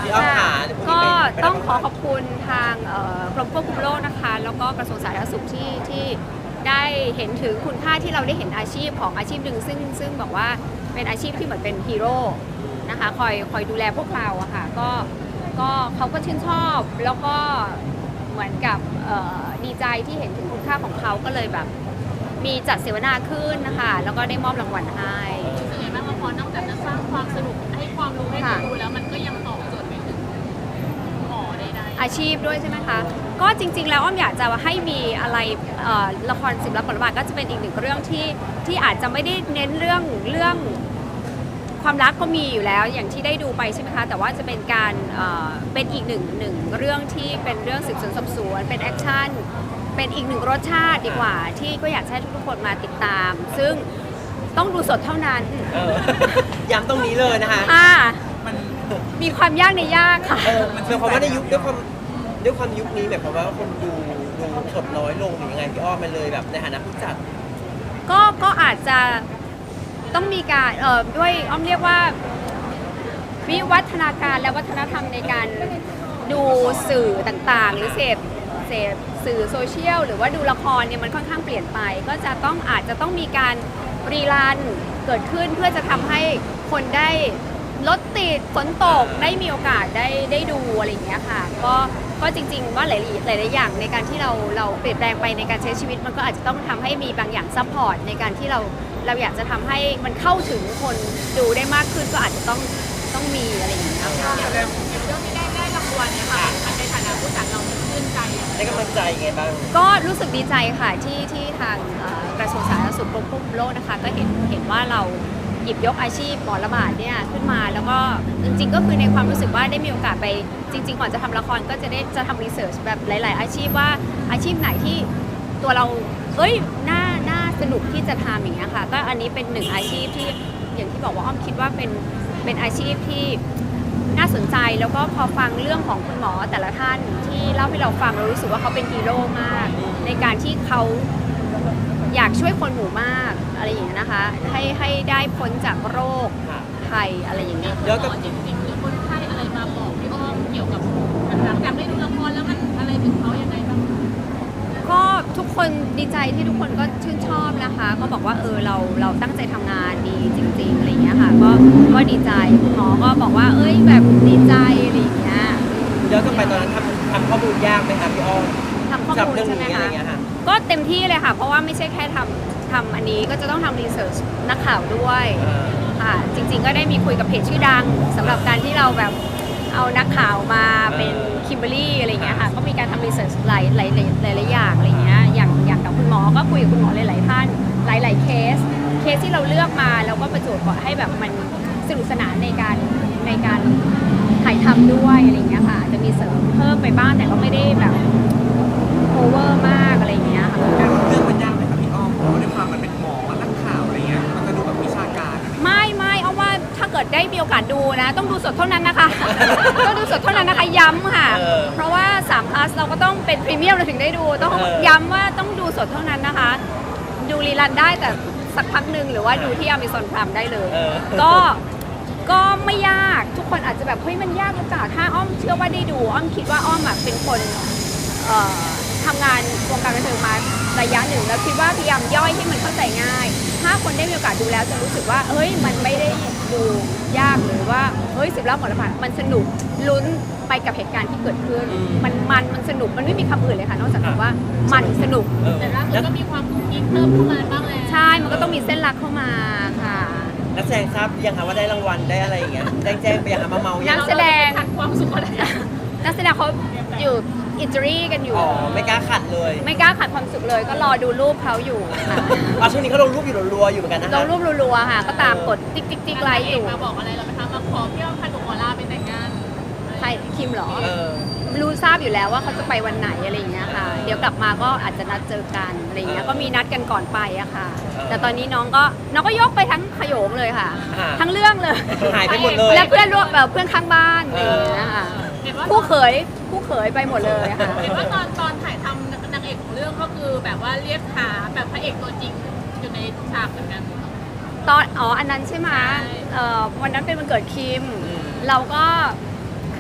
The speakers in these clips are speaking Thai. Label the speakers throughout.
Speaker 1: พี่อ้อมค่ะ
Speaker 2: ก็ต้องขอขอบคุณทางกรมควบคุมโรคนะคะแล้วก็กระทรวงสาธารณสุขที่ได้เห็นถึงคุณค่าที่เราได้เห็นอาชีพของอาชีพหนึ่งซึ่งบอกว่าเป็นอาชีพที่เหมือนเป็นฮีโร่นะคะคอยดูแลพวกเราอะค่ะก็เขาก็ชื่นชอบแล้วก็เหมือนกับดีใจที่เห็นถึงคุณค่าของเขาก็เลยแบบมีจัดเสวนาขึ้นนะคะแล้วก็ได้มอบรางวัลให้
Speaker 3: รู้สึกยังไงบ้างละครนอกจากจะสร้างความสนุกให้ความรู้ให้คนดูแล้วมันก็ยังตอบโจทย์ไปถึงหมอได้
Speaker 2: อาชีพด้วยใช่ไหมคะก็จริงๆแล้วอ้อมอยากจะให้มีอะไรละคร10 ลับบทบาทก็จะเป็นอีกหนึ่งเรื่องที่อาจจะไม่ได้เน้นเรื่องความรักก็มีอยู่แล้วอย่างที่ได้ดูไปใช่ไหมคะแต่ว่าจะเป็นการเป็นอีกหนึ่งเรื่องที่เป็นเรื่องสืบสวนสอบสวนเป็นแอคชั่นเป็นอีกหนึ่งรสชาติดีกว่าที่ก็อยากให้ทุกคนมาติดตามซึ่งต้องดูสดเท่านั้น
Speaker 1: ย้ำตรงนี้เลยนะคะ
Speaker 2: มันมีความยากในยากค่ะ
Speaker 1: หมายความว่าในยุคด้วยความยุคนี้แบบว่าคนดูสดน้อยลงหรือยังไงพี่อ้อมมันเลยแบบในฐานะผู้จัด
Speaker 2: ก็อาจจะต้องมีการด้วยอ้อมเรียกว่าวิวัฒนาการและวัฒนธรรมในการดูสื่อต่างๆหรือเสพสื่อโซเชียลหรือว่าดูละครเนี่ยมันค่อนข้างเปลี่ยนไปก็จะอาจจะต้องมีการรีรันเกิดขึ้นเพื่อจะทำให้คนได้รถติดฝนตกได้มีโอกาสได้ดูอะไรอย่างเงี้ยค่ะก็จริงๆว่าหลายอย่างในการที่เราเปลี่ยนแปลงไปในการใช้ชีวิตมันก็อาจจะต้องทำให้มีบางอย่างซัพพอร์ตในการที่เราอยากจะทำให้มันเข้าถึงคนดูได้มากขึ้นก็อาจจะต้องมีอะไรอย่างเงี้ยค่ะ
Speaker 3: เรื่องที่ได้รางวัลเนี่ยค่ะในฐานะผู้จัดเราชื่นใจ
Speaker 1: ได้กำลังใจไงบ้าง
Speaker 2: ก็รู้สึกดีใจค่ะที่ทางกระทรวงสาธารณสุขกรมควบคุมโรคนะคะก็เห็นว่าเราหยิบยกอาชีพหมอระบาดเนี่ยขึ้นมาแล้วก็จริงๆก็คือในความรู้สึกว่าได้มีโอกาสไปจริงๆก่อนจะทำละครก็จะทำรีเสิร์ชแบบหลายๆอาชีพว่าอาชีพไหนที่ตัวเราน่าสนุกที่จะทำอย่างเงี้ยค่ะก็อันนี้เป็นหนึ่งอาชีพที่อย่างที่บอกว่าอ้อมคิดว่าเป็นอาชีพที่น่าสนใจแล้วก็พอฟังเรื่องของคุณหมอแต่ละท่านที่เล่าให้เราฟังเรารู้สึกว่าเขาเป็นฮีโร่มากในการที่เขาอยากช่วยคนหมู่มากอะไรอย่างเงี้ยนะคะให้ได้พ้นจากโรคภัยอะไรอย่างเงี้ย
Speaker 3: แล้วก็จริงๆหรือคนไข้อะไรมาบอกพี่อ้อมเกี่ยวกับหลังจากได้ดูละครแล้วมันอะไรถึงเขายังไงบ้าง
Speaker 2: ก็ทุกคนดีใจที่ทุกคนก็ชื่นชอบนะคะก็บอกว่าเราตั้งใจทำงานดีจริงๆอะไรอย่างเงี้ยค่ะก็ดีใจคุณหมอก็บอกว่าแบบดีใจอะไรอย่างเงี้ย
Speaker 1: ย้อนกลับไปตอนนั้นทำข้อมูลยากไหมคะพี่อ้อม
Speaker 2: ทำข้อมูลใช่ไหมคะก็เต็มที่เลยค่ะเพราะว่าไม่ใช่แค่ทำอันนี้ก็จะต้องทำรีเสิร์ชนักข่าวด้วยค่ะจริงๆก็ได้มีคุยกับเพจชื่อดังสำหรับการที่เราแบบเอานักข่าวมาเป็นคิมเบอร์รี่อะไรเงี้ยค่ะก็มีการทำรีเสิร์ชหลายอย่างอะไรเงี้ยอย่างกับคุณหมอก็คุยกับคุณหมอหลายๆท่านหลายๆเคสที่เราเลือกมาแล้วก็ประจวบเหมาะให้แบบมันสนุกสนานในการถ่ายทำด้วยอะไรเงี้ยค่ะจะมีเสริมเพิ่มไปบ้างแต่ก็ไม่ได้แบบโอเวอร์มากอะไรเงี้ยค่ะ
Speaker 4: เรื่องมันยากไหมครับพี่อ้อมเพราะด้วยความมันเป็นหมอนักข่าวอะไรเงี้ยมันจะดูแบบวิชาการ
Speaker 2: ไม่เอาว่าถ้าเกิดได้มีโอกาสดูนะต้องดูสดเท่านั้นนะคะ ต้องดูสดเท่านั้นนะคะย้ำค่ะเพราะว่า3 plus เราก็ต้องเป็นพรีเมียมเราถึงได้ดูต้องย้ำว่าต้องดูสดเท่านั้นนะคะดูรีรันได้แต่สักพักหนึ่งหรือว่าดูที่ Amazon Prime ได้เลยก็ไม่ยากทุกคนอาจจะแบบเฮ้ยมันยากหรือเปล่าถ้าอ้อมเชื่อว่าได้ดูอ้อมคิดว่าอ้อมเป็นคนทำงานวงการบันเทิงมาระยะหนึ่งแล้วคิดว่าพยายามย่อยให้มันเข้าใจง่ายถ้าคนได้มีโอกาสดูแล้วจะรู้สึกว่าเฮ้ยมันไม่ได้ดูยากหรือว่าเฮ้ย10 รอบหมดละผ่านมันสนุกลุ้นไปกับเหตุการณ์ที่เกิดขึ้นมันสนุกมันไม่มีคำอื่นเลยค่ะนอกจากคำว่ามันสนุก
Speaker 3: แต่ล่าสุดก็มีความกุ๊กกิ๊กเพิ่มเข้ามาบ้างแล้ว
Speaker 2: ใช่มันก็ต้องมีเส้นรักเข้ามาค่ะ
Speaker 1: นักแสดงทราบยังคะว่าได้รางวัลได้อะไรอย่างเงี้ยแจ้งไปยังคะมาเมา
Speaker 2: นักแสดง
Speaker 3: ความสุขอะไร
Speaker 2: นักแสดงเขาอยู่อิตาลีกันอยู่
Speaker 1: ไม่กล้าขัดเลย
Speaker 2: ไม่กล้าขัดความสุขเลยก็รอดูรูปเขาอยู่
Speaker 1: ค่ะช่วงนี้เขาลงรูปอยู่รัวๆอยู่เหมือนกันนะคะ
Speaker 2: ลงรูปรัวๆค่ะก็ตามกดติ๊กไลค์อยู่
Speaker 3: มาบอกอะไรเราไปทำมาขอพี่อ้อมพาหนูขอลาไปแต่งงาน
Speaker 2: ใครคิมเหรอรู้ทราบอยู่แล้วว่าเขาจะไปวันไหนอะไรอย่างเงี้ยค่ะเดี๋ยวกลับมาก็อาจจะนัดเจอกันอะไรอย่างเงี้ยก็มีนัดกันก่อนไปอะค่ะแต่ตอนนี้น้องก็ยกไปทั้งขโยงเลยค่ะทั้งเรื่องเลย
Speaker 1: หายไปหมดเลย
Speaker 2: และเพื่อนข้างบ้านอะไรอย่างเงี้ยค่ะคู่เขยไปหมดเลยค่ะ
Speaker 3: เห็นว่าตอนถ่ายทำนางเอกของเรื่องก็คือแบบว่าเรียกหาแบบพระเอกตัวจริงอยู่ในฉากเหมือนกัน
Speaker 2: อันนั้นใช่ไหมวันนั้นเป็นวันเกิดคิมเราก็ค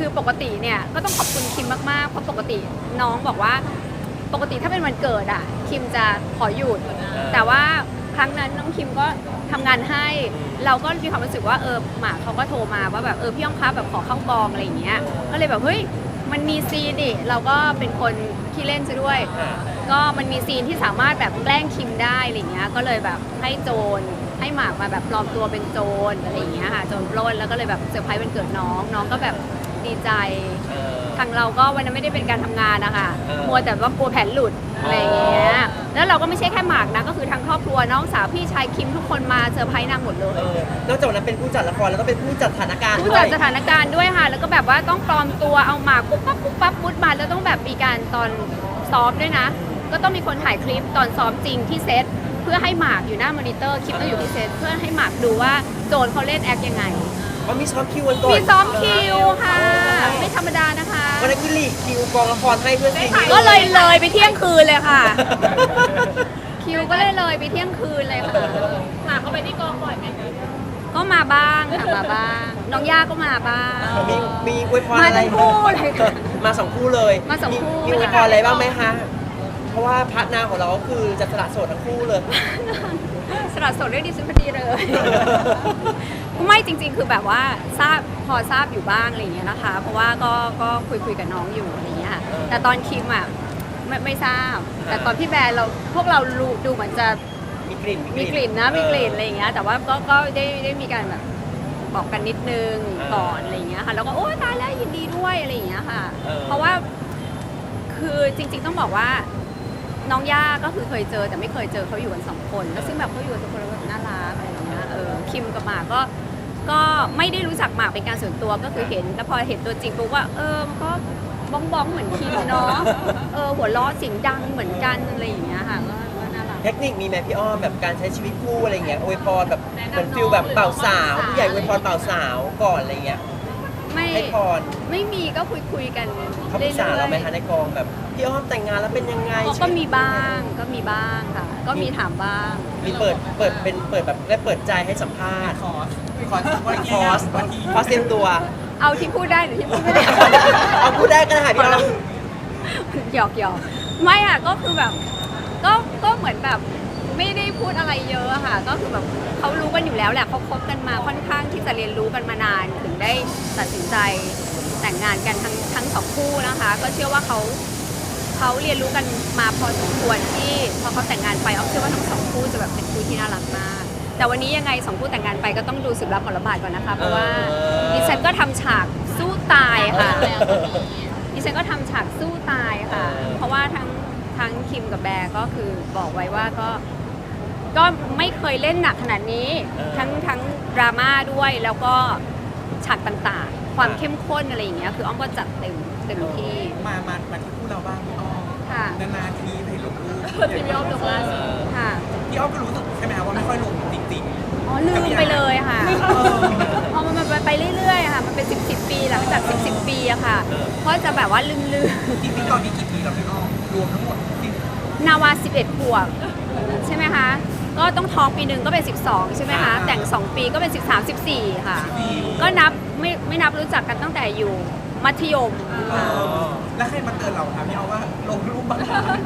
Speaker 2: คือปกติเนี่ยก็ต้องขอบคุณคิมมากๆเพราะปกติน้องบอกว่าปกติถ้าเป็นวันเกิดอ่ะคิมจะขอหยุดแต่ว่าครั้งนั้นน้องคิมก็ทำงานให้เราก็มีความรู้สึกว่าหมากเขาก็โทรมาว่าแบบพี่อ้อมคะแบบขอเข้ากองอะไรอย่างเงี้ยก็เลยแบบเฮ้ยมันมีซีนดิเราก็เป็นคนขี้เล่นซะด้วยก็มันมีซีนที่สามารถแบบแกล้งคิมได้อะไรเงี้ยก็เลยแบบให้โจรให้หมากมาแบบปลอมตัวเป็นโจรอะไรอย่างเงี้ยค่ะโจรปล้นแล้วก็เลยแบบเซอร์ไพรส์วันเกิดน้องก็แบบดีใจทางเราก็วันนั้นไม่ได้เป็นการทำงานนะคะมัวแต่ว่ากลัวแผนหลุดอะไรอย่างเงี้ยแล้วเราก็ไม่ใช่แค่หมากนะก็คือทางครอบครัวน้องสาวพี่ชายคิมทุกคนมาเซอร์ไพรส์นางหมดเลย
Speaker 1: นอกจากนั้นเป็นผู้จัดละครแล้วก็เป็นผู้จัดสถานการณ์
Speaker 2: ผู้จัดสถานการณ์ด้วยค่ะแล้วก็แบบว่าต้องปลอมตัวเอาหมากปุ๊บปั๊บมุดมาแล้วต้องแบบมีการตอนซ้อมด้วยนะก็ต้องมีคนถ่ายคลิปตอนซ้อมจริงที่เซตเพื่อให้หมากอยู่หน้ามอนิเตอร์คลิปต้องอยู่ที่เซตเพื่อให้หมากดูว่าโจรเขาเล่นแอคยังไง
Speaker 1: มีซ้อมคิววันก่อน
Speaker 2: มีซ้อมคิวค่ะไม่ธรรมดานะคะ
Speaker 1: วันนั้นคือลีกคิวกองละครให้เพื่อนซีน
Speaker 2: ก็เลยไปเที่ยงคืนเลยค่ะคิวก็เลยไปเที่ยงคืนเลยค่ะ
Speaker 3: หาเขาไปที่กองบ่อยไหมคะ
Speaker 2: ก็มาบ้างค่ะมาบ้างน้องย่าก็มาบ้าง
Speaker 1: มีอวยพรอะไร
Speaker 2: มาทั้งคู่เลย
Speaker 1: มาสองคู่เลย
Speaker 2: มาสองคู่
Speaker 1: มีอวยพรอะไรบ้างไหมคะเพราะว่าพาร์ทนร์ของเราก็คือจะสละโสดทั้งคู่เลย
Speaker 2: สละโสดด้วยดิฉันพอดีเลยไม่จริงๆคือแบบว่าพอทราบอยู่บ้างอะไรอย่างเงี้ยนะคะเพราะว่าก็คุยกับน้องอยู่อะไรอย่างเงี้ยแต่ตอนคิมอ่ะไม่ทราบแต่ตอนพี่แบร์พวกเราดูเหมือนจะ
Speaker 1: มีกลิ่น
Speaker 2: นะมีกลิ่นอะไรอย่างเงี้ยแต่ว่าก็ได้มีการแบบบอกกันนิดนึงก่อนอะไรอย่างเงี้ยค่ะแล้วก็โอ้ตายแล้วยินดีด้วยอะไรอย่างเงี้ยค่ะเพราะว่าคือจริงๆต้องบอกว่าน้องย่าก็คือเคยเจอแต่ไม่เคยเจอเขาอยู่กัน2 คนแล้วซึ่งแบบเขาอยู่กัน2 คนแล้วแบบน่ารักอะไรอย่างเงี้ยคิมกับหมากก็ไม่ได้รู้จักหมากเป็นการส่วนตัวก็คือเห็นแล้วพอเห็นตัวจริงปุ๊บว่ามันก็บ้องเหมือนคิมเนาะหัวล้อเสียงดังเหมือนกันอะไรอย่างเงี้ยค่ะก็น่ารัก
Speaker 1: เทคนิคมีไหมพี่อ้อมแบบการใช้ชีวิตคู่อะไรเงี้ยอวยพรแบบเหมือนฟิลแบบเป่าสาวผู้ใหญ่อวยพรเป่าสาวก่อนอะไรเงี้ยให้พร
Speaker 2: ไม่มีก็คุยกัน
Speaker 1: เขาปรึกษาเราไหมคะในกองแบบพี่อ้อมแต่งงานแล้วเป็นยังไง
Speaker 2: ก็มีบ้างค่ะก็มีถามบ้าง
Speaker 1: มีเปิดแบบได้เปิดใจให้สัมภาษณ์คอร์สเต็มตัว
Speaker 2: เอาที่พูดได้หรือที่พูดไม่ได้
Speaker 1: เอาพูดได้ก็ได้พี่อ้อม
Speaker 2: หยอกไม่อ่ะก็คือแบบก็เหมือนแบบไม่ได้พูดอะไรเยอะค่ะก็คือแบบเขารู้กันอยู่แล้วแหละเขาคบกันมาค่อนข้างที่จะเรียนรู้กันมานานถึงได้ตัดสินใจแต่งงานกันทั้ง2 คู่นะคะก็เชื่อว่าเขาเรียนรู้กันมาพอสมควรที่พอเขาแต่งงานไปเชื่อว่าทั้ง2 คู่จะแบบเป็นคู่ที่น่ารักมากแต่วันนี้ยังไง2 คู่แต่งงานไปก็ต้องดูสืบรับผลบาทก่อนนะคะเพราะว่าดิฉันก็ทำฉากสู้ตายค่ะดิฉันก็ทำฉากสู้ตายค่ะเพราะว่าทั้งคิมกับแบร์ก็คือบอกไว้ว่าก็ไม่เคยเล่นหนักขนาดนี้ทั้งดราม่าด้วยแล้วก็ฉากต่างๆความเข้มข้นอะไรอย่างเงี้ยคืออ้อมก็จัดเต็มที่
Speaker 4: มาที่คู่เราบ้างพี่อ้อมนานๆทีให้ลงรูป
Speaker 3: ที่พี่อ้อมลงล่าสุด
Speaker 2: ค่ะ
Speaker 4: พี่อ้อมก็รู้สึกใช่ไหมว่าไม่ค่อยลงจริง
Speaker 2: ๆลืมไปเลยค่ะพอมันไปเรื่อยๆค่ะมันเป็น10 ปีหลังจาก10 ปีอะค่ะเพราะจะแบบว่าลืม
Speaker 4: จริงๆตอนนี้กี่ปีแล้วพี่อ้อมรวมทั้งหมด
Speaker 2: นาวา11 ขวบใช่ไหมคะก็ต้องท้องปีหนึ่งก็เป็น12ใช่ไหมคะแต่ง2 ปีก็เป็น13 14ค่ะก็นับไม่นับรู้จักกันตั้งแต่อยู่มัธยม
Speaker 4: แล้วใครมาเตือนเราคะพี่อ้อมว่าลงรูปบ้าง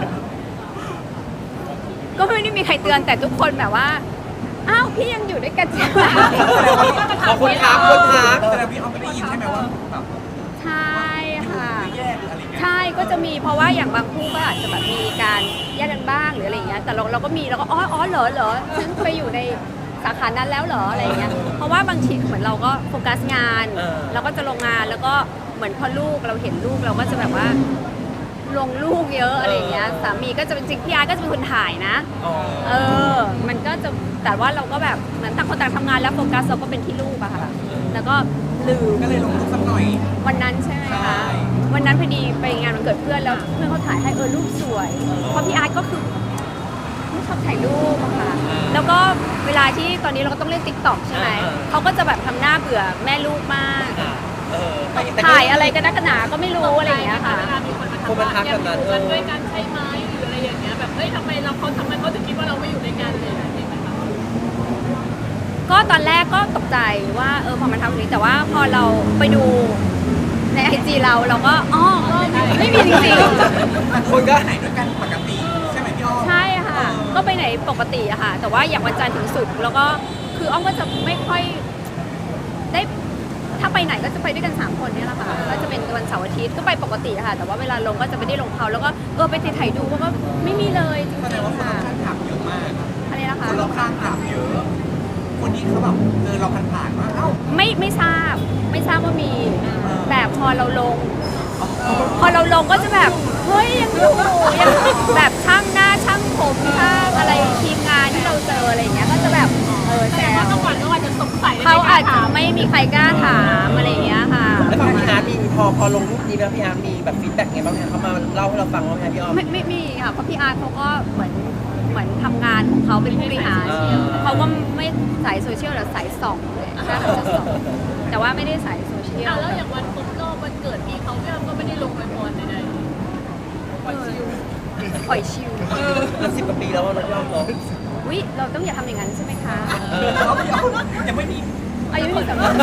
Speaker 2: ก็ไม่ได้มีใครเตือนแต่ทุกคนแบบว่าอ้าวพี่ยังอยู่ด้วยกันใช่ไหม
Speaker 1: ขอบคุณครับ
Speaker 4: แต่พี่อ้อมไม่ได้ยินใช่ไหมว่าแบบ
Speaker 2: ใช่ค่ะใช่ก็จะมีเพราะว่าอย่างบางคู่ก็อาจจะแบบมีการแยกกันบ้างหรืออะไรอย่างเงี้ยแต่เราก็มีเราก็อ๋อเหรอฉันไปอยู่ในสาขานั้นแล้วเหรออะไรอย่างเงี้ยเพราะว่าบางทีเหมือนเราก็โฟกัสงานเราก็จะลงงานแล้วก็เหมือนพอลูกเราเห็นลูกเราก็จะแบบว่าลงลูกเยอะอะไรอย่างเงี้ยสามีก็จะเป็นจริงพี่อาร์ก็จะเป็นคนถ่ายนะมันก็จะแต่ว่าเราก็แบบเหมือนต่างคนต่างทำงานแล้วโฟกัสเราก็เป็นที่ลูกอะค่ะแล้วก็ลืม
Speaker 4: ก็เลยลงรูปสักหน่อย
Speaker 2: วันนั้นใช่ไหมคะวันนั้นพอดีไปงานวันเกิดเพื่อนแล้วเพื่อนเขาถ่ายให้รูปสวยเพราะพี่อาร์ก็คือไม่ชอบถ่ายรูปอะค่ะแล้วก็เวลาที่ตอนนี้เราก็ต้องเล่น TikTok ใช่ไหมเขาก็จะแบบทำหน้าเบื่อแม่ลูกมากถ่ายอะไรกันนักหนาก็ไม่รู้อะไรอย่างเงี้ยค่ะ
Speaker 3: คนมาทักกันด้วยกันใช่ไหมหรืออะไรอย่างเงี้ยแบบเฮ้ยทำไมเขาถึงคิดว่าเราไม่อยู่ในงานเลย
Speaker 2: ก็ตอนแรกก็ตกใจว่าพอมันทำแบบนี้แต่ว่าพอเราไปดูในเราก็อ๋อก็ไม่มีจริง
Speaker 1: คนก็
Speaker 4: ไหนด้วยกันปกติใช่ไหมพี่อ้อม
Speaker 2: ๆใช่ค่ะ ก็ไปไหนปกติอะค่ะ แต่ว่าอย่างวันจันทร์ถึงศุกร์แล้วก็คืออ้อมก็จะไม่ค่อยได้ถ้าไปไหนก็จะไปด้วยกัน3คนเนี่ยแหละค่ะก็จะเป็นวันเสาร์อาทิตย์ก็ไปปกติค่ะ แต่ว่าเวลาลงก็จะไม่ได้ลงเขาแล้วก็ไปถ่ายดูก็ไม่มีเลยจริ
Speaker 4: แสดง
Speaker 2: ง
Speaker 4: ว่า
Speaker 2: ๆ
Speaker 4: คน
Speaker 2: ค่ะ
Speaker 4: รอบข้างถามเยอะมาก
Speaker 2: อะไรนะคะ
Speaker 4: คนรอบข้างถามเยอะ คนที่เขาแบบเจอเราผ่านๆว่าเอ้า
Speaker 2: ไม่ทราบว่ามีแต่พอเราลงก็จะแบบเฮ้ยยังอยู่ยังแบบช่างหน้าช่างผมช่างอะไรทีมงานที่เราเจออะไรอย่างเงี้ยก็จะแบบแซ
Speaker 3: แต่ว่าว จังหวัดก็อาจจะสงสัย
Speaker 2: เขาอาจจะไม่มีใครกล้าถามอะไรอย่างเงี้ยค่ะ
Speaker 1: แล้วฝั่งพี่อาร์ตมีพอลงรูปนี้แล้วพี่อาร์ตมีแบบฟีดแบ็กไงบ้างคะเขามาเล่าให้เราฟังว่าไงพี่อ้อม
Speaker 2: ไม่มีค่ะเพราะพี่อาร์ตเขาก็เหมือนทำงานของเขาเป็นผู้บริหาร เขาก็ไม่สายโซเชียลหรือสายส่องเลยใช่เขาจะส่องแต่ว่าไม่ได้สายโซเชียล
Speaker 3: แล้วอย่างวันครบรอบวันเกิดพี่เขาพี่อ้ำก็ไม่ได้ลงไปพรใด
Speaker 2: ปล่อยชิว
Speaker 1: มัน10 กว่าปีแล้วว่าเราย่อมเนาะ
Speaker 2: วิเราต้องอย่าทำอย่างนั้นใช่ไหมคะ
Speaker 4: เขาพี่อ้อมยังไม่มี
Speaker 2: อายุถึงสำคัญ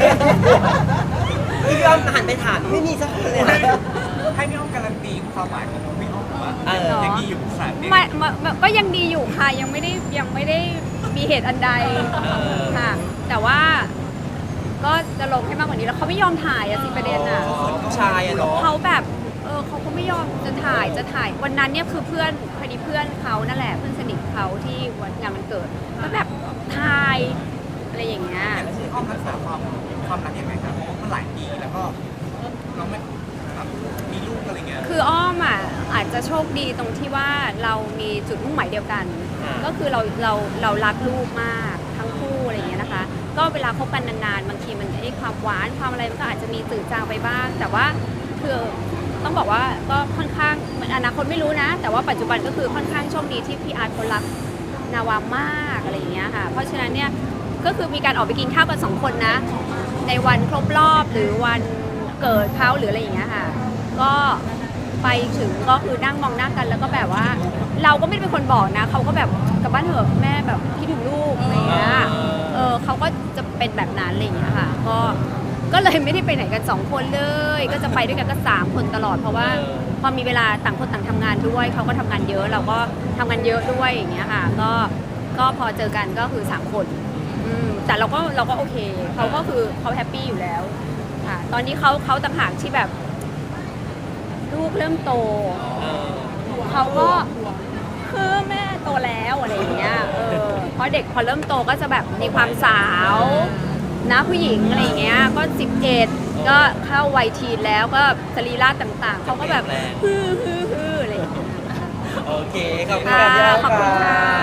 Speaker 1: พี่อ้อมหันไปถามไม่มีสักคนเลยนะ
Speaker 4: ให้พี่อ้อมการันตีความหมายของพี่อ้อมว่า
Speaker 1: เออ
Speaker 4: ยังดีอยู่สารเด็ก
Speaker 2: ก็ยังดีอยู่ค่ะยังไม่ได้มีเหตุอันใดค่ะ แต่ว่าก็จะลงให้มากกว่านี้แล้วเขาไม่ยอมถ่ายอะสิประเด็นอะ
Speaker 1: ผู้ชายอะเนาะ
Speaker 2: เขาแบบเขาก็ไม่ยอมจะถ่ายวันนั้นเนี่ยคือเพื่อนพอดีเพื่อนเขานั่นแหละเพื่อนสนิทเขาที่วันงานวันเกิดก็แบบถ่ายอะไรอย่างเงี้ย
Speaker 4: แล้วพี่อ้อมรักษาความรักยังไงครับเพราะว่ามันหลายปีแล้วก็เราไม่แบบมีลูกอะไรเงี้ย
Speaker 2: คืออ้อมอ่ะอาจจะโชคดีตรงที่ว่าเรามีจุดมุ่งหมายเดียวกัน ก็คือเรารักลูกมากทั้งคู่อะไรอย่างเงี้ยนะคะ ก็เวลาคบกันนานๆบางทีมันไอ้ความหวานความอะไรมันก็อาจจะมีจืดจางไปบ้าง แต่ว่าคือต้องบอกว่าก็ค่อนข้างเหมือนอนาคตไม่รู้นะ แต่ว่าปัจจุบันก็คือค่อนข้างโชคดีที่พี่อาร์ตเขารักนาวามากอะไรอย่างเงี้ยค่ะเพราะฉะนั้นเนี่ยก็คือมีการออกไปกินข้าวกัน2 คนนะ ในวันครบรอบหรือวันเกิดเขาหรืออะไรอย่างเงี้ยค่ะ ก็ไปถึงก็คือนั่งมองหน้ากันแล้วก็แบบว่า เราก็ไม่ได้เป็นคนบอกนะเขาก็แบบกลับบ้านเถอะแม่แบบคิดถึงลูกอะไรอย่างเงี้ยเขาก็จะเป็นแบบนั้นอะไรอย่างเงี้ยค่ะก็เลยไม่ได้ไปไหนกัน2 คนเลย ก็จะไปด้วยกันก็3 คนตลอดเพราะว่าพอมีเวลาต่างคนต่างทำงานด้วยเขาก็ทำงานเยอะเราก็ทำงานเยอะด้วยอย่างเงี้ยค่ะก็พอเจอกันก็คือ3 คนแต่เราก็โอเคเขาก็คือเขาแฮปปี้อยู่แล้วค่ะตอนนี้เขาต่างหากที่แบบลูกเริ่มโตเขาก็คือแม่โตแล้วอะไรอย่างเงี้ยเพราะเด็กพอเริ่มโตก็จะแบบมีความสาวนะผู้หญิงอะไรอย่างเงี้ยก็11ก็เข้าวัยทีนแล้วก็สรีระต่างๆเขาก็แบบฮืออะไรอย่างเงี้ย
Speaker 1: โอเคขอบคุณ
Speaker 2: ค่ะ
Speaker 1: ค่ะพี่อ้อม
Speaker 2: ขอบคุณค่ะ